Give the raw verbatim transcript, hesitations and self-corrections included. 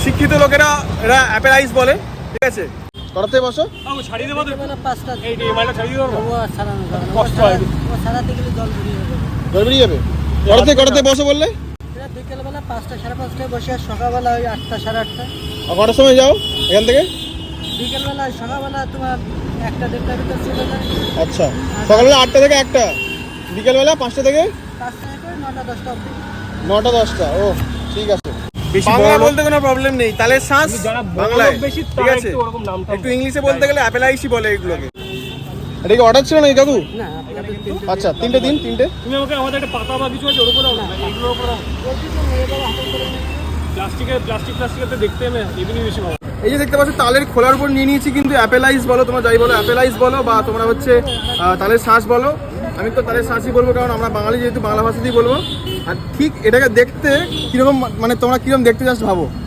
শিক্ষিত লোকেরা এরা অ্যাপেল আইস বলে, ঠিক আছে? কটাতে বসো? ছাড়িয়ে দেবো পাঁচটা এই মাইলটা ছাড়িয়ে দেবো, কষ্ট হয়, সারাতে গেলে জল বেরিয়ে যাবে। জল বেরিয়ে যাবে। কটাতে কটাতে বসো বললে? বিকেলবেলা পাঁচটা সাড়ে পাঁচটায় বসে, আর সকালবেলা ওই আটটা সাড়ে আটটা। আর কটার সময় যাও এখান থেকে? বিকেলবেলা সকালবেলা তোমার একটা দেড়টার ভিতর চলে যায়। আচ্ছা, সকালবেলা আটটা থেকে একটা, বিকেলবেলা পাঁচটা থেকে পাঁচটা থেকে নটা দশটা অবধি। নটা দশটা ও ঠিক আছে। বাংলা বলতে কোনো প্রবলেম নেই, তাহলে শ্বাস বাংলায়, ঠিক আছে? একটু ইংলিশে বলতে গেলে অ্যাপেল আইসই বলে এগুলোকে। এটা কি অর্ডার ছিল নাকি কাকু? না, আপনাদের তিনটে। আচ্ছা, তিনটে দিন, তিনটে। তুমি আমাকে আমাদের একটা পাতা বা কিছু আছে ওর উপরে এগুলোর উপরে প্লাস্টিকের প্লাস্টিক প্লাস্টিকের দেখতে আমি এমনি বেশি ভালো। এই যে দেখতে পাচ্ছ তালের খোলার উপর নিয়ে নিয়েছি, কিন্তু অ্যাপেল আইস বলো তোমরা, যাই বলো অ্যাপেল আইস বলো বা তোমরা হচ্ছে আহ, তালের শ্বাস বলো। আমি তো তালের শ্বাসই বলবো, কারণ আমরা বাঙালি যেহেতু বাংলা ভাষাতেই বলবো। আর ঠিক এটাকে দেখতে কীরকম, মানে তোমরা কীরকম দেখতে জাস্ট ভাবো।